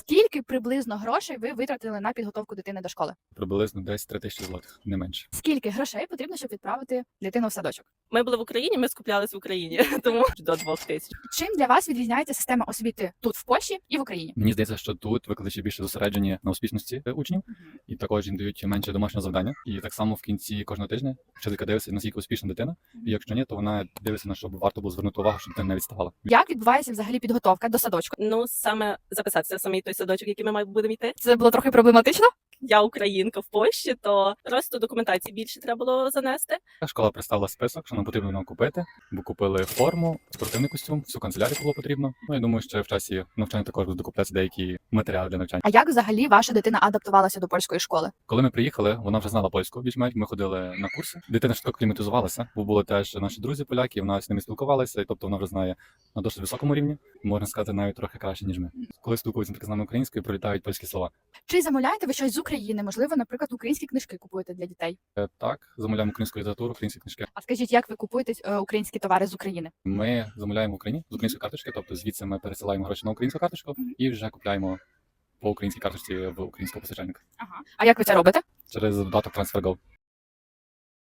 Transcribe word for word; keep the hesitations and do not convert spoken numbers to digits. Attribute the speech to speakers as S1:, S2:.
S1: Скільки приблизно грошей ви витратили на підготовку дитини до школи?
S2: Приблизно десь три тисячі злотих, не менше.
S1: Скільки грошей потрібно, щоб відправити дитину в садочок?
S3: Ми були в Україні, ми скуплялись в Україні, тому до двох тисяч.
S1: Чим для вас відрізняється система освіти тут в Польщі і в Україні?
S2: Мені здається, що тут викладачі більше зосереджені на успішності учнів, і також їм дають менше домашнього завдання. І так само в кінці кожного тижня вчителька дивиться, наскільки успішна дитина. І якщо ні, то вона дивиться на щоб варто було звернути увагу, щоб дитина не відставала.
S1: Як відбувається взагалі підготовка до садочку?
S3: Ну, саме записатися в самий той садочок, який ми маємо будемо йти.
S1: Це було трохи проблематично.
S3: Я українка в Польщі, то просто документації більше треба було занести.
S2: Школа представила список, що нам потрібно нам купити, бо купили форму, спортивний костюм, всю канцелярію було потрібно. Ну я думаю, що в часі навчання також будуть докуплятися деякі матеріали для навчання.
S1: А як взагалі ваша дитина адаптувалася до польської школи?
S2: Коли ми приїхали, вона вже знала польську більш-менш. Ми ходили на курси. Дитина швидко кліматизувалася, бо були теж наші друзі поляки. Вона з ними спілкувалася, і тобто вона вже знає на досить високому рівні. Можна сказати, навіть трохи краще ніж ми. Коли спілкуються з нами українською, прилітають польські слова.
S1: Чи замовляєте ви щось з України? Можливо, наприклад, українські книжки купуєте для дітей?
S2: Е, Так, замовляємо українську літературу, українські книжки.
S1: А скажіть, як ви купуєте е, українські товари з України?
S2: Ми замовляємо в Україні з української карточки, тобто звідси ми пересилаємо гроші на українську карточку і вже купляємо по українській карточці в українського постачальника
S1: Ага. А як ви це робите?
S2: через додаток TransferGo.